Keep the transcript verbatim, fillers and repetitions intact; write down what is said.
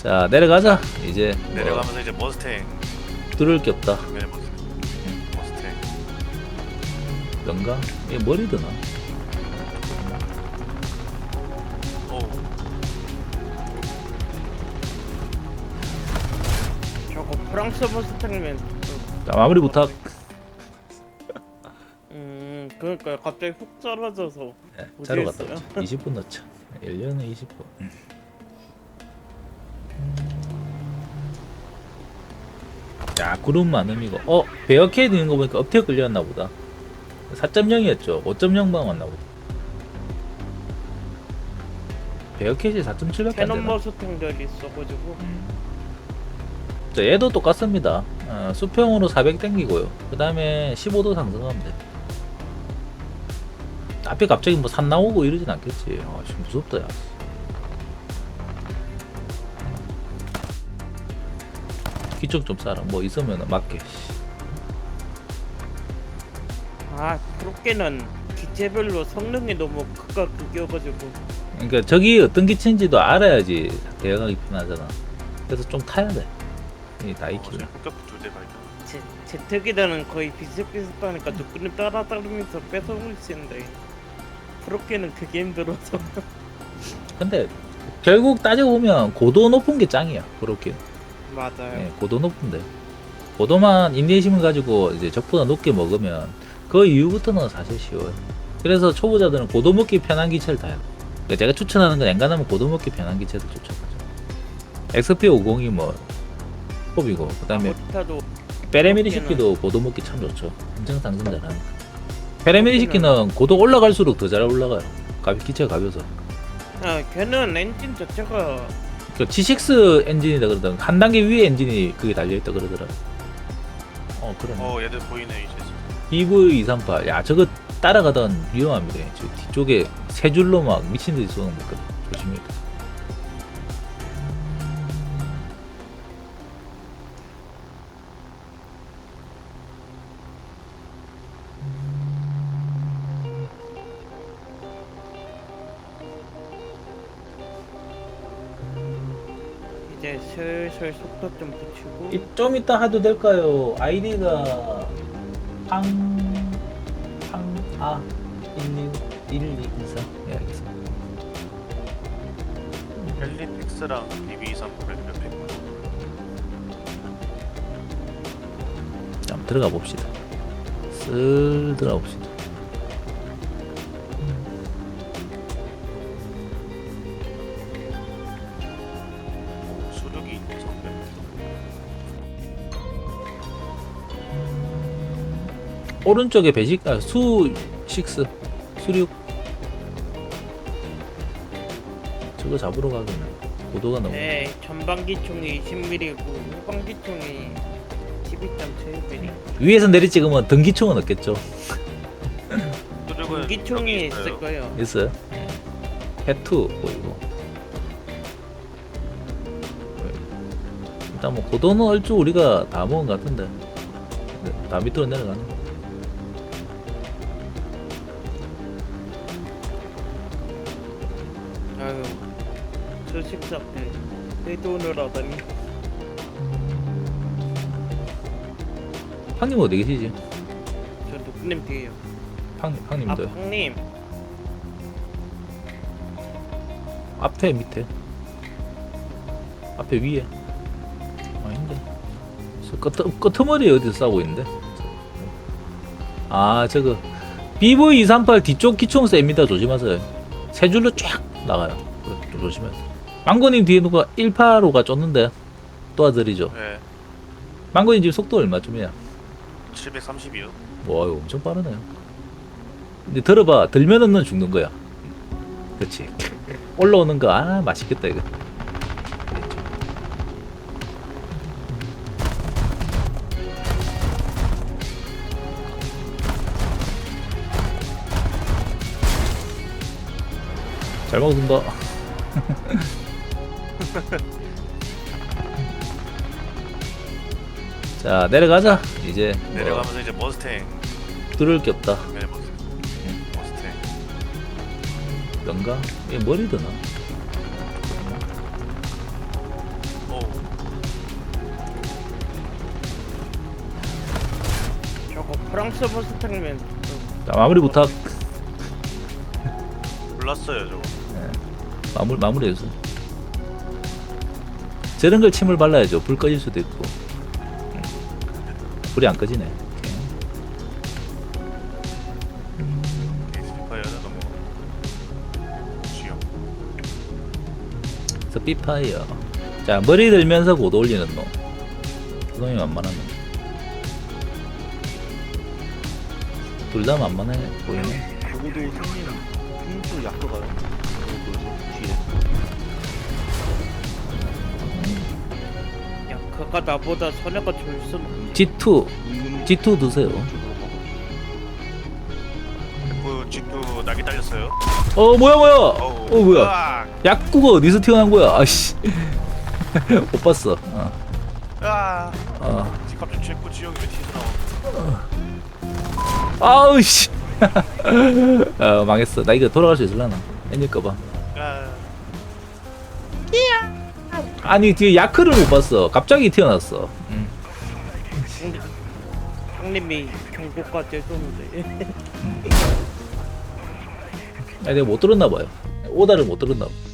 자 내려가자. 이제 내려가면서 이제 머스탱. 뚫을 게 없다. 네, 머스탱. 머스탱. 뭔가 이게 머리 드나? 오. 저거 프랑스 머스탱이면 자 마무리 부탁. 음 그러니까 갑자기 훅 떨어져서 네, 어디 자러 갔다 있어요? 오자. 이십 분 넣자. 일 년에 이십 분. 음. 자 구름 많음이고 어 베어케이드 있는 거 보니까 업태어 끌려왔나 보다. 사 점 영이었죠. 오 점 영방 왔나 보다. 베어케이지 사 점 칠밖에 안 캐논 되나? 머스탱들이 있어가지고 자, 얘도 똑같습니다. 어, 수평으로 사백 땡기고요. 그 다음에 십오 도 상승하면 돼. 앞에 갑자기 뭐 산 나오고 이러진 않겠지. 아, 씨, 무섭다, 야. 기쪽 좀 싸라. 뭐 있으면 맞게. 아 그렇게는 기체별로 성능이 너무 극과 극이어가지고 그러니까 저기 어떤 기체인지도 알아야지 대응하기 편하잖아. 그래서 좀 타야 돼. 이 다이키는. 어, 흑갑 두대 발견. 제, 제트기들은 거의 비슷비슷하니까 누구는 따라 따르면서 뺏어올 수 있는데 그렇게는 그게 힘들어서 근데 결국 따지고 보면 고도 높은 게 짱이야. 그렇게. 맞아요. 예, 고도 높은데. 고도만 인내심을 가지고 이제 적보다 높게 먹으면 그 이후부터는 사실 쉬워요. 그래서 초보자들은 고도 먹기 편한 기체를 타요. 그러니까 제가 추천하는 건 엔간하면 고도 먹기 편한 기체를 추천하죠. 엑스피 오십이 뭐 톱이고 그 다음에 아무리타도 페레미리시키도 고도 먹기 참 좋죠. 엄청 상승 잘하니까. 페레미리시키는 고도 올라갈수록 더 잘 올라가요. 가, 기체가 가벼워서. 아 걔는 엔진 자체가 그 지식스 엔진이다 그러더라. 한 단계 위에 엔진이 그게 달려있다 그러더라. 어 그러네. 어, 얘들 보이네 이제. 비브이 이삼팔. 야 저거 따라가던 위험합니다. 저 뒤쪽에 세 줄로 막 미친듯이 쏘는 거 있거든. 조심해야 돼. 이제 슬슬 속도 좀 붙이고 이- 좀 이따 해도 될까요? 아이디가 팡... 팡... 아... 일이이삼 예 알겠습니다. 헬리픽스랑 비비이삼팔 옆에 있고. 자, 한번 들어가 봅시다. 슬 들어가 봅시다. 수륙이 있는 선배. 오른쪽에 배식 아, 수 식스 수륙 저거 잡으러 가기는 고도가 너무 네 전방기총이 이십 밀리미터고 후방기총이 십이 점 칠 밀리미터 위에서 내리 찍으면 등기총은 없겠죠. 수륙은 기총이 여기 있을 거예요. 있어요? 해투 보이고 일단 뭐 고도는 얼추 우리가 다 먹은 것 같은데 네, 다 밑으로 내려가는 거. 아유 저 식사 때 내 돈을 하다니 팡님 어디 계시지? 저 누구님 뒤에요. 팡님, 아 팡님도 형님 앞에 밑에 앞에 위에 아닌데 저 끄트, 끄트머리 어디서 싸우고 있는데 아 저거 비브이 이삼팔 뒤쪽 기총 셉니다. 조심하세요. 세 줄로 쫙 나가요. 그래, 좀 조심하세요. 망고님 뒤에 누가 일팔오가 쫓는데 도와드리죠. 네. 망고님 지금 속도 얼마쯤이야? 칠백삼십이요. 와 이거 엄청 빠르네요. 근데 들어봐. 들면은 넌 죽는 거야. 그렇지. 올라오는 거 아 맛있겠다 이거. 잘 먹는다. 자 내려가자. 이제 뭐 내려가면서 이제 머스탱. 뚫을 게 없다. 네, 머스탱. 머스탱. 뭔가 이게 머리 드나? 저거 프랑스 머스탱이면 좀 자, 마무리 부탁. 몰랐어요 저거. 마무리 마무리해서. 저런 걸 침을 발라야죠. 불 꺼질 수도 있고. 음. 불이 안 꺼지네. 스피파이어는 너무 쉬워. 스피파이어. 자, 머리 들면서 고도 올리는 놈. 그놈이 만만한 놈. 둘 다 만만해 보이네. 적어도 생긴 힘도 약도가요. 뒤에. 야 그가 나보다 선혜가 줄수록 지투 은근 지투 드세요. 그 집도 낙이 딸렸어요. 어 뭐야 뭐야. 어우. 어 뭐야. 으악! 약구가 어디서 튀어나온 거야? 아씨. 못 봤어. 어. 으악! 어. 지금 갑자기 최고 지형이 왜 튀어나와? 아우 씨. 어 망했어. 나 이거 돌아갈 수 있을라나? 엔질까봐. 아, 아니 뒤에 야크를 못 봤어. 갑자기 튀어났어. 응. 형님이 경고까지 해줬는데 아니 내가 못 들었나 봐요. 오다를 못 들었나 봐.